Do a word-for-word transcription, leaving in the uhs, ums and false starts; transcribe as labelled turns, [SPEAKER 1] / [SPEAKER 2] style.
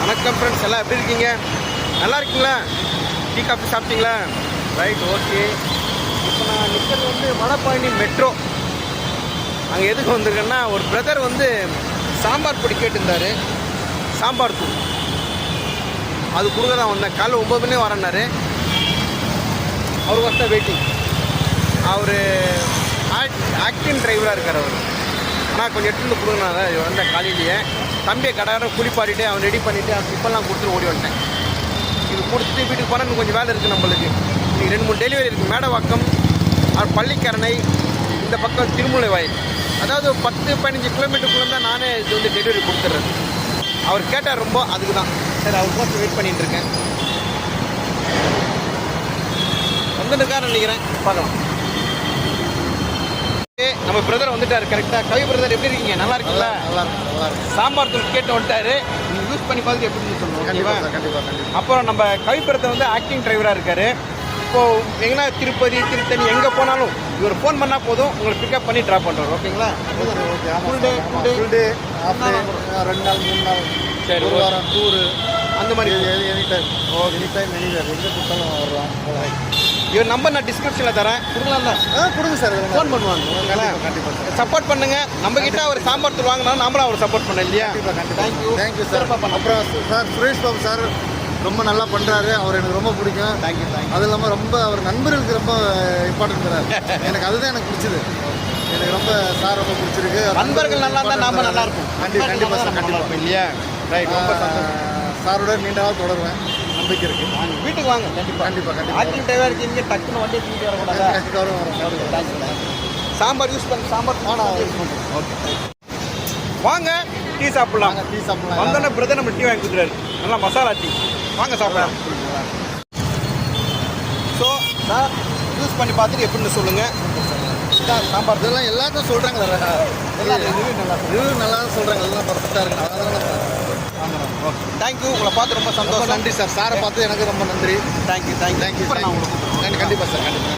[SPEAKER 1] வணக்கம் ஃப்ரெண்ட்ஸ், எல்லாம் எப்படி இருக்கீங்க? நல்லா இருக்கீங்களா? டீ காஃபி சாப்பிட்டீங்களா? Right, okay. இப்போ நான் நிற்கிறது வந்து வடபழனி மெட்ரோ. அங்கே எதுக்கு வந்திருக்கேன்னா, ஒரு பிரதர் வந்து சாம்பார் பொடி கேட்டிருந்தார், சாம்பார் தூள். அது கொடுக்க தான் வந்தேன். காலைல ஒம்பது மணி வரேன்னாரு. அவருக்கு வந்தால் வெயிட்டிங். அவர் ஆக்ட் ஆக்டிங் டிரைவராக இருக்கார் அவர். ஆனால் கொஞ்சம் எடுத்துகிட்டு கொடுங்கண்ணா வந்தேன் காலையிலேயே. தம்பியை கடை குளிப்பாடிட்டு அவன் ரெடி பண்ணிவிட்டு அவன் இப்பெல்லாம் கொடுத்துட்டு ஓடி வந்துட்டேன். இது கொடுத்துட்டு வீட்டுக்கு போனால் இன்னும் கொஞ்சம் வேலை இருக்குது நம்மளுக்கு. இன்றைக்கி ரெண்டு மூணு டெலிவரி இருக்குது. மேடவாக்கம், பள்ளிக்கரணை, இந்த பக்கம் திருமூலை வாயில். அதாவது பத்து பதினஞ்சு கிலோமீட்டருக்குள்ளே தான் நானே இது வந்து டெலிவரி கொடுத்துட்றேன். அவர் கேட்டார் ரொம்ப, அதுக்கு தான் சரி அவர் போட்டு வெயிட் பண்ணிகிட்டு இருக்கேன். வந்துட்டுக்காரன் நினைக்கிறேன், பார்க்கலாம். நம்ம பிரதர் வந்துட்டார் கரெக்டாக. கவி பிரதர் எப்படி இருக்கீங்க? நல்லா இருக்கீங்களா?
[SPEAKER 2] நல்லா இருக்கு, நல்லா இருக்கு.
[SPEAKER 1] சாம்பார் தூள் கேட்டு வந்துட்டாரு. நீங்கள் யூஸ் பண்ணி பார்த்துட்டு எப்படின்னு சொல்லுவோம்.
[SPEAKER 2] கண்டிப்பாக கண்டிப்பாக கண்டிப்பாக.
[SPEAKER 1] அப்புறம் நம்ம கவி பிரதர் வந்து ஆக்டிங் டிரைவராக இருக்கார். இப்போது எங்கன்னா திருப்பதி திருத்தணி எங்கே போனாலும் இவர் ஃபோன் பண்ணால் போதும், உங்களை பிக்கப் பண்ணி ட்ராப் பண்ணுறாரு. ஓகேங்களா?
[SPEAKER 2] Okay okay.
[SPEAKER 1] Full day full day
[SPEAKER 2] full day half day, ரெண்டு நாள் மூணு நாள்,
[SPEAKER 1] சரி,
[SPEAKER 2] ஒரு வாரம் டூரு,
[SPEAKER 1] அந்த மாதிரி
[SPEAKER 2] any time. Oh any time anywhere எங்கே கொடுத்தாலும் வர்றோம்.
[SPEAKER 1] இவர் நம்பர் நான் டிஸ்கிரிப்ஷனில் தரேன், கொடுக்கலாம் தான்.
[SPEAKER 2] ஆ கொடுங்க சார்.
[SPEAKER 1] ஃபோன் பண்ணுவாங்க. ஓகேங்களா?
[SPEAKER 2] கண்டிப்பாக சார்.
[SPEAKER 1] சப்போர்ட் பண்ணுங்க. நம்ம கிட்ட அவர் சாம்பார் தூள் வாங்கினா நம்மளும் அவர் சப்போர்ட் பண்ண இல்லையா?
[SPEAKER 2] கண்டிப்பாக கண்டிப்பாக.
[SPEAKER 1] Thank you
[SPEAKER 2] thank you sir. அப்புறம் சார் சுரேஷ் பாபு சார் ரொம்ப நல்லா பண்ணுறாரு. அவர் எனக்கு ரொம்ப பிடிக்கும்.
[SPEAKER 1] Thank you thank you.
[SPEAKER 2] அது இல்லாமல் ரொம்ப அவர் நண்பர்களுக்கு ரொம்ப இம்பார்ட்டன்ட் தராரு. எனக்கு அதுதான் எனக்கு பிடிச்சது. எனக்கு ரொம்ப சார் ரொம்ப பிடிச்சிருக்கு.
[SPEAKER 1] நண்பர்கள் நல்லா இருந்தால் நாம நல்லா இருக்கும்.
[SPEAKER 2] கண்டிப்பாக கண்டிப்பாக சார்.
[SPEAKER 1] நல்லா இருக்கும் இல்லையா? ரைட், ரொம்ப சந்தோஷம்.
[SPEAKER 2] சாரோட நீண்ட நாள் தொடருவேன், நம்பிக்கை இருக்குது.
[SPEAKER 1] வாங்க, வீட்டுக்கு வாங்க. கண்டிப்பாக
[SPEAKER 2] கண்டிப்பாக கண்டிப்பாக.
[SPEAKER 1] ஆக்டிங் டிரைவர் இருக்கீங்க, டக்குன்னு வண்டியை தூக்கிட்டு வரக்கூடாது.
[SPEAKER 2] வரும் வரும்.
[SPEAKER 1] தேங்க்யூ. சாம்பார் யூஸ் பண்ணி சாம்பார்
[SPEAKER 2] நான் யூஸ் பண்ணுறேன்.
[SPEAKER 1] ஓகே, வாங்க டீ சாப்பிடலாம்.
[SPEAKER 2] நாங்கள் டீ சாப்பிடலாம்.
[SPEAKER 1] வந்தோடனே பிரதர் நம்ம டீ வாங்கி கொடுக்குறாரு, நல்லா மசாலா டீ. வாங்க சாப்பிடலாம். ஸோ நான் யூஸ் பண்ணி பார்த்துட்டு எப்படின்னு சொல்லுங்கள்.
[SPEAKER 2] சாம்பார் இதெல்லாம் எல்லாத்தையும் சொல்கிறாங்க.
[SPEAKER 1] எல்லாம் ரிவ்யூ நல்லா
[SPEAKER 2] ரிவ்யூ நல்லா தான் சொல்கிறாங்க. எல்லாம் பர்ஃபெக்டாக இருக்கு. அதனால
[SPEAKER 1] ஆமாம். Okay, thank you. உங்களை பார்த்து ரொம்ப
[SPEAKER 2] ரொம்ப
[SPEAKER 1] சந்தோஷம்.
[SPEAKER 2] நன்றி சார். சாரை பார்த்து எனக்கு ரொம்ப நன்றி.
[SPEAKER 1] Thank you thank you
[SPEAKER 2] thank you.
[SPEAKER 1] நான் உங்களுக்கு
[SPEAKER 2] கண்டிப்பாக சார். கண்டிப்பாக.